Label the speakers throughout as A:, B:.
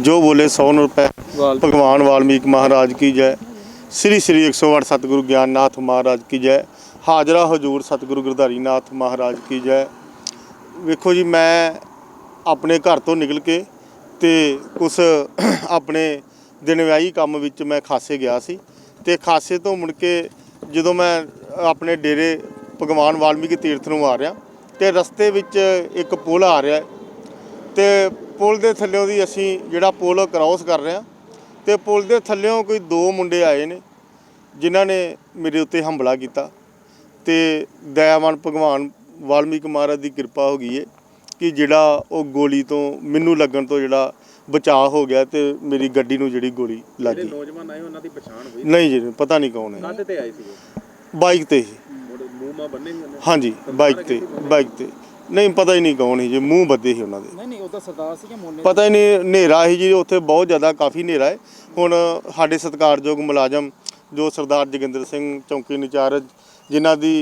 A: जो बोले 100 रुपये। भगवान वाल्मीकि महाराज की जय। श्री श्री 108 सतगुरु ज्ञाननाथ महाराज की जय। हाजरा हजूर सतगुरु गिरधारी नाथ महाराज की जय। वेखो जी, मैं अपने घर तो निकल के ते कुछ अपने दिन व्याही काम विच मैं खासे गया सी ते खासे तो मुड़ के जो मैं अपने डेरे भगवान वाल्मीकि तीर्थ नूं आ रहा तो रस्ते विच एक पुल आ रहा है तो पुल के थल्लों दी असीं जिहड़ा पुल क्रॉस कर रहे हैं तो पुल के थल्लों कोई 2 मुंडे आए ने जिन्हां ने मेरे उत्ते हमला किया तो दयावान भगवान वाल्मीकि महाराज की कृपा हो गई है कि जिहड़ा वो गोली तो मैनू लगन तो जिहड़ा बचाव हो गया तो मेरी गड्डी नूं जिहड़ी गोली लग गई।
B: नौजवान आए उन्हां दी पछाण होई
A: नहीं जी, पता नहीं कौन है।
B: काहदे ते आए सी?
A: बाइक ते ही।
B: मूंह मां बन्ने ही?
A: हाँ जी, बाइक ते नहीं, पता ही नहीं कौन ही जी, मूँह बद्दे ही उन्होंने।
B: नहीं नहीं, उहदा सरदार सी कि मोने?
A: पता ही नहीं, हनेरा ही जी उत्थे, बहुत ज़्यादा काफ़ी हनेरा है। हुण साडे सत्कारयोग मुलाजम जो सरदार जोगिंदर सिंह चौंकी इंचार्ज जिन्हां दी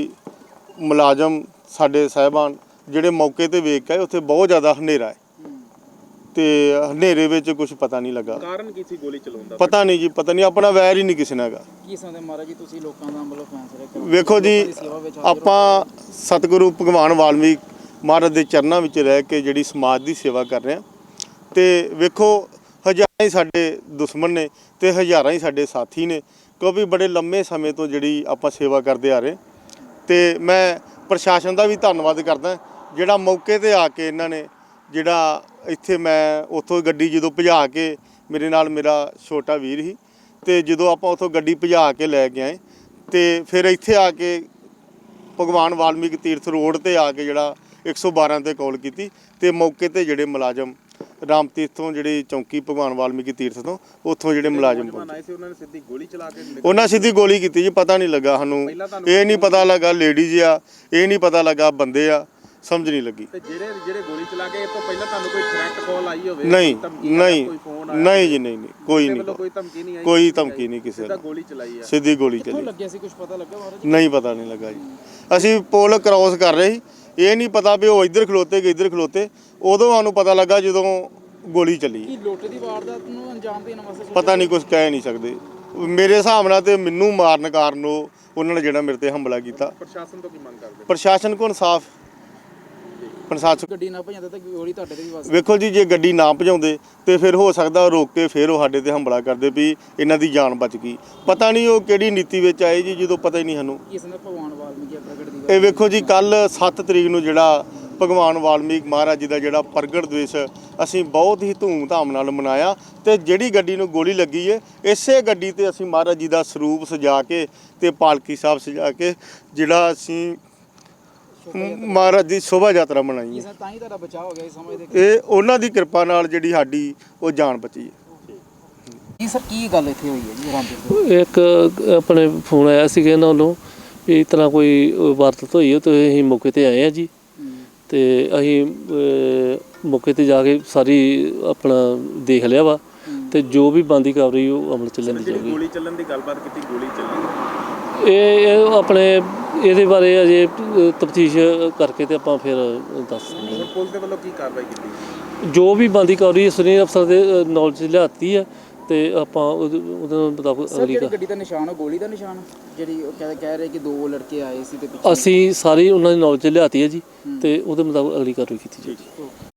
A: मुलाजम साडे साहिबान जिहड़े मौके ते वेख के उत्थे बहुत ज़्यादा हनेरा है तो हनेरे विच कुछ पता नहीं लगा।
B: कारण की सी गोली चलाउण दा?
A: पता नहीं जी, पता नहीं, अपना वैर ही नहीं किसी ने हैगा।
B: की समझदे महाराज जी तुसीं लोकां दा मतलब फैसला करो?
A: वेखो जी, आपां सतगुरु भगवान वाल्मीकि महाराज के चरणों में रह के जिहड़ी समाज की सेवा कर रहे हैं तो वेखो हज़ारां ही साडे दुश्मन ने तो हज़ारां ही साडे साथी ने, क्योंकि बड़े लंबे समय तो जिहड़ी आपां सेवा करते आ रहे तो मैं प्रशासन का भी धन्नवाद करदा जिहड़ा मौके ते आके इन्हां ने जिहड़ा इत्थे मैं उत्थों गड्डी जो भजा के मेरे नाल मेरा छोटा वीर ही तो जो आप उत्थों गड्डी भजा के लैके आए तो फिर इत्थे आके भगवान वाल्मीकि तीर्थ रोड ते आके जिहड़ा 112 ते कॉल की तो मौके ते जिहड़े मुलाजम राम तीर्थ तो जिहड़ी चौंकी भगवान वाल्मीकि तीर्थ तो उत्थों जिहड़े मुलाजम उन्होंने सीधी गोली की जी। पता नहीं लगा सानूं, ये नहीं पता लगा लेडीज आ, ये नहीं पता लगा बंदे आ, समझ नहीं लगी।
B: गोली चला के तो पहले तुहानूं कोई थ्रेट कॉल आई होवे?
A: नहीं नहीं नहीं जी, नहीं कोई नहीं, कोई धमकी नहीं किसी ने।
B: गोली चलाई है,
A: सीधी गोली चली।
B: लगे सी कुछ पता लगा महाराज?
A: नहीं, पता नहीं लगा जी। असी पुल क्रॉस कर रहे ही, ये नहीं पता भी वो इधर खलोते कि इधर खलोते, उदों सानूं पता लगा जो गोली चली।
B: लुੱਟ ਦੀ ਵਾਰਦਾਤ ਨੂੰ ਅੰਜਾਮ ਦੇਣ ਵਾਸਤੇ
A: पता नहीं, कुछ कह नहीं सकते। मेरे हिसाब नाल ते मैनू मारन कारण उन्होंने जिहड़ा मेरे ते हमला किया।
B: ਪ੍ਰਸ਼ਾਸਨ ਤੋਂ ਕੀ ਮੰਗ ਕਰਦੇ?
A: प्रशासन को इंसाफ, प्रशासन
B: ਗੱਡੀ ਨਾ ਭਜਾਉਂਦੇ ਤਾਂ ਗੋਲੀ ਤੁਹਾਡੇ ਤੇ ਵੀ ਵੱਜ?
A: ਵੇਖੋ ਜੀ, ਜੇ ਗੱਡੀ ਨਾ ਭਜਾਉਂਦੇ ਤੇ ਫਿਰ ਹੋ ਸਕਦਾ ਰੋਕ ਕੇ ਫਿਰ ਉਹ ਸਾਡੇ ਤੇ ਹਮਲਾ ਕਰਦੇ ਵੀ ਇਹਨਾਂ ਦੀ ਜਾਨ ਬਚ ਗਈ। ਪਤਾ ਨਹੀਂ ਉਹ ਕਿਹੜੀ ਨੀਤੀ ਵਿੱਚ ਆਏ ਜੀ, ਜਦੋਂ ਪਤਾ ਹੀ ਨਹੀਂ ਸਾਨੂੰ।
B: ਕਿਸ ਨੇ ਭਗਵਾਨ ਵਾਲਮੀਕੀ ਪ੍ਰਗਟ ਦੀ?
A: ਇਹ ਵੇਖੋ ਜੀ, ਕੱਲ 7 ਤਰੀਕ ਨੂੰ ਜਿਹੜਾ ਭਗਵਾਨ ਵਾਲਮੀਕ ਮਹਾਰਾਜ ਜੀ ਦਾ ਜਿਹੜਾ ਪ੍ਰਗਟ ਦਿਵਸ ਅਸੀਂ ਬਹੁਤ ਹੀ ਧੂਮ-ਧਾਮ ਨਾਲ ਮਨਾਇਆ ਤੇ ਜਿਹੜੀ ਗੱਡੀ ਨੂੰ ਗੋਲੀ ਲੱਗੀ ਹੈ ਇਸੇ ਗੱਡੀ ਤੇ ਅਸੀਂ ਮਹਾਰਾਜ ਜੀ ਦਾ ਸਰੂਪ ਸਜਾ ਕੇ ਤੇ ਪਾਲਕੀ ਸਾਹਿਬ ਸਜਾ ਕੇ ਜਿਹੜਾ ਅਸੀਂ ਮਹਾਰਾਜ ਦੀ ਸ਼ੋਭਾ ਯਾਤਰਾ ਮਨਾਈ ਹੈ।
B: ਤਾਂ ਹੀ ਤੁਹਾਡਾ ਬਚਾਅ ਹੋ ਗਿਆ ਇਸ ਸਮੇਂ ਦੇ?
A: ਇਹ ਉਹਨਾਂ ਦੀ ਕਿਰਪਾ ਨਾਲ ਜਿਹੜੀ ਸਾਡੀ ਉਹ ਜਾਨ ਬਚੀ ਹੈ।
B: ਜੀ ਸਰ, ਕੀ ਗੱਲ ਇੱਥੇ ਹੋਈ ਹੈ ਜੀ ਰਾਮਪੁਰ?
C: ਇੱਕ ਆਪਣੇ ਫੋਨ ਆਇਆ ਸੀਗਾ ਇਹਨਾਂ ਵੱਲੋਂ ਵੀ ਇਸ ਤਰ੍ਹਾਂ ਕੋਈ ਵਾਰਦਾਤ ਹੋਈ ਹੈ ਤੇ ਅਸੀਂ ਮੌਕੇ ਤੇ ਆਏ ਆ ਜੀ ਤੇ ਅਸੀਂ ਮੌਕੇ ਤੇ ਜਾ ਕੇ ਸਾਰੀ ਆਪਣਾ ਦੇਖ ਲਿਆ ਵਾ ਤੇ ਜੋ ਵੀ ਬੰਦੀ ਕਰ ਰਹੀ ਉਹ ਅਮਲ ਚ ਲੈਂਦੀ ਜਾਊਗੀ।
B: ਗੋਲੀ ਚੱਲਣ ਦੀ ਗੱਲਬਾਤ ਕੀਤੀ, ਗੋਲੀ ਚੱਲੀ
C: ਇਹ ਆਪਣੇ ਇਹਦੇ ਬਾਰੇ ਅਜੇ ਤਫਤੀਸ਼ ਕਰਕੇ ਤੇ ਆਪਾਂ ਫਿਰ ਦੱਸ ਸਕਦੇ ਹਾਂ।
B: ਪੁਲਿਸ ਦੇ ਵੱਲੋਂ ਕੀ ਕਾਰਵਾਈ ਕੀਤੀ?
C: ਜੋ ਵੀ ਬੰਦੀ ਕਰ ਰਹੀ ਹੈ ਸੁਨੀਲ ਅਫਸਰ ਦੇ ਨੌਲੇਜ ਲਿਆਤੀ ਹੈ ਤੇ ਆਪਾਂ ਉਹਦੇ ਮੁਤਾਬਕ ਅਗਲੀ
B: ਗੱਡੀ ਦਾ ਨਿਸ਼ਾਨ, ਗੋਲੀ ਦਾ ਨਿਸ਼ਾਨ ਜਿਹੜੀ ਉਹ ਕਹਿ ਰਹੇ ਕਿ 2 ਲੜਕੇ ਆਏ ਸੀ ਤੇ
C: ਅਸੀਂ ਸਾਰੀ ਉਹਨਾਂ ਦੀ ਨੌਲੇਜ ਲਿਆਤੀ ਹੈ ਜੀ ਤੇ ਉਹਦੇ ਮੁਤਾਬਕ ਅਗਲੀ ਕਾਰਵਾਈ ਕੀਤੀ ਜਾਏਗੀ।